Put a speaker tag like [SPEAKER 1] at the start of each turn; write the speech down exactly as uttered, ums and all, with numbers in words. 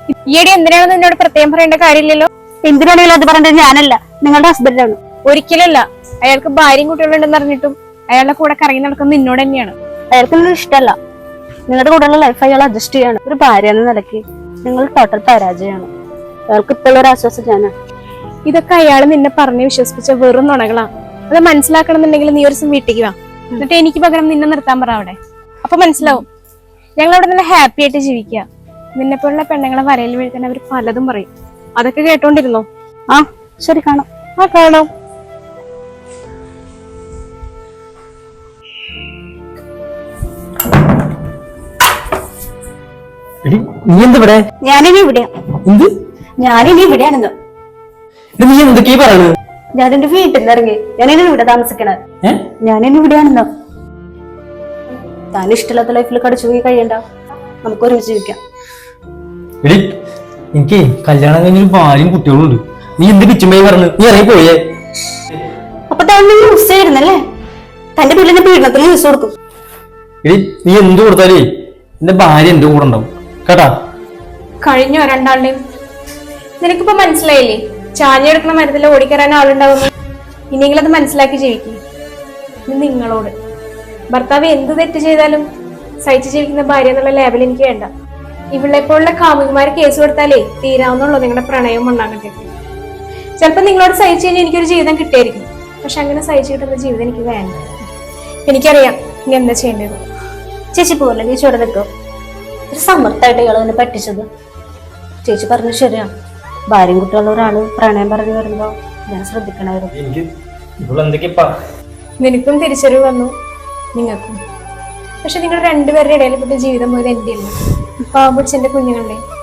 [SPEAKER 1] ഈയിടെ എന്തിനാണെന്ന് എന്നോട് പ്രത്യേകം പറയേണ്ട കാര്യമില്ലല്ലോ.
[SPEAKER 2] എന്തിനാണെങ്കിലും അത് പറയേണ്ടത് ഞാനല്ല, നിങ്ങളുടെ ഹസ്ബൻഡാണ്.
[SPEAKER 1] ഒരിക്കലല്ല. അയാൾക്ക് ഭാര്യയും കുട്ടികളുണ്ടെന്ന് അറിഞ്ഞിട്ടും അയാളുടെ കൂടെ കറങ്ങി നടക്കുന്നത് നിന്നോട് തന്നെയാണ്.
[SPEAKER 2] അയാൾക്ക് നിങ്ങൾ ഇഷ്ടമല്ല. നിങ്ങളുടെ കൂടെയുള്ള ലൈഫ് അയാൾ അഡ്ജസ്റ്റ് ചെയ്യാണ്. ഒരു ഭാര്യ എന്ന നിലയ്ക്ക് നിങ്ങൾ ടോട്ടൽ പരാജയമാണ്. അയാൾക്ക് ഇപ്പോൾ ഒരു ആശ്വാസം ഞാനാണ്.
[SPEAKER 1] ഇതൊക്കെ അയാൾ നിന്നെ പറഞ്ഞ് വിശ്വസിപ്പിച്ച വെറും നുണകളാ. അത് മനസ്സിലാക്കണമെന്നുണ്ടെങ്കിൽ നീ ഒരു ദിവസം വീട്ടിലേക്ക് വാ, എന്നിട്ട് എനിക്ക് പകരം നിന്നെ നിർത്താൻ പറ അവിടെ. അപ്പൊ മനസ്സിലാവും. ഞങ്ങൾ അവിടെ നല്ല ഹാപ്പി ആയിട്ട് ജീവിക്കുക. നിന്നെ പോലുള്ള പെണ്ണുങ്ങളെ വരയിൽ വീഴ്ത്താൻ അവർ പലതും പറയും. അതൊക്കെ കേട്ടോണ്ടിരുന്നോ?
[SPEAKER 2] ആ ശരി, കാണാം.
[SPEAKER 1] ആ കാണാം.
[SPEAKER 3] നീ എന്തിവിടെ?
[SPEAKER 2] ഞാനിനി ഇവിടെയാ.
[SPEAKER 3] എന്ത്?
[SPEAKER 2] ഞാനിനി ഇവിടെയാണെന്ന്.
[SPEAKER 3] നീ എന്തൊക്കെയാ പറയണത്?
[SPEAKER 2] ഞാൻ എന്റെ വീട്ടിൽ നിന്ന് ഇറങ്ങി. ഞാനിനി ഇവിടെ താമസിക്കണത്. ഞാനിനി ഇവിടെയാണെന്നോ. താൻ ഇഷ്ടമില്ലാത്ത ലൈഫിൽ കടിച്ചു പോയി കഴിയണ്ട. നമുക്ക് ഒരുമിച്ച് ജീവിക്കാം.
[SPEAKER 3] എടി, എനിക്ക് കല്യാണം കഴിഞ്ഞൊരു ഭാര്യയും കുട്ടികളും ഉണ്ട്. നീ എന്ത് പിച്ചുമ്പേ പറഞ്ഞു? നീ ഇറങ്ങി പോയേ.
[SPEAKER 2] അപ്പൊ താൻ യൂസ് ചെയ്തിരുന്നല്ലേ? തന്റെ വീട്ടിലെ പീഡനത്തിന് യൂസ് കൊടുക്കും.
[SPEAKER 3] എടി, നീ എന്ത് കൊടുത്താലേ എന്റെ ഭാര്യ എന്റെ കൂടെ ഉണ്ടാവും കേട്ടാ.
[SPEAKER 1] കഴിഞ്ഞോ രണ്ടാളുടെയും? നിനക്കിപ്പോ മനസ്സിലായില്ലേ ചാഞ്ഞെടുക്കുന്ന മരത്തിൽ ഓടിക്കറാൻ ആളുണ്ടാവുന്നു. ഇനിയെങ്കിലും അത് മനസ്സിലാക്കി ജീവിക്കും. നിങ്ങളോട് ഭർത്താവ് എന്ത് തെറ്റ് ചെയ്താലും സഹിച്ചു ജീവിക്കുന്ന ഭാര്യ എന്നുള്ള ലേബൽ എനിക്ക് വേണ്ട. ഇവളെപ്പോലുള്ള കാമുകിമാര് കേസ് കൊടുത്താലേ തീരാവുന്നുള്ളൂ നിങ്ങളുടെ പ്രണയവും ഉണ്ടാകട്ടെ. ചിലപ്പോ നിങ്ങളോട് സഹിച്ചു കഴിഞ്ഞാൽ എനിക്കൊരു ജീവിതം കിട്ടിയായിരിക്കും. പക്ഷെ അങ്ങനെ സഹിച്ചു കിട്ടുന്ന ജീവിതം എനിക്ക് വേണ്ട. എനിക്കറിയാം ഇനി എന്താ ചെയ്യേണ്ടത്.
[SPEAKER 2] ചേച്ചി പോലെ ചേച്ചി ഇവിടെ നിൽക്കും. ഒരു സമർത്ഥമായിട്ട് ഇയാൾ തന്നെ പറ്റിച്ചത്. ചേച്ചി പറഞ്ഞു ശരിയാണ്. ഭാര്യയും കുട്ടികളുള്ള ഒരാള് പ്രണയം പറഞ്ഞു വരുമ്പോ ഞാൻ ശ്രദ്ധിക്കണമായിരുന്നു.
[SPEAKER 1] നിനക്കും തിരിച്ചറിവ് വന്നു, നിങ്ങൾക്കും. പക്ഷെ നിങ്ങൾ രണ്ടുപേരുടെ ഇടയിൽ പെട്ട ജീവിതം പോയത് എന്റെ അല്ല. പാവം പിടിച്ച എന്റെ കുഞ്ഞുങ്ങളുടെ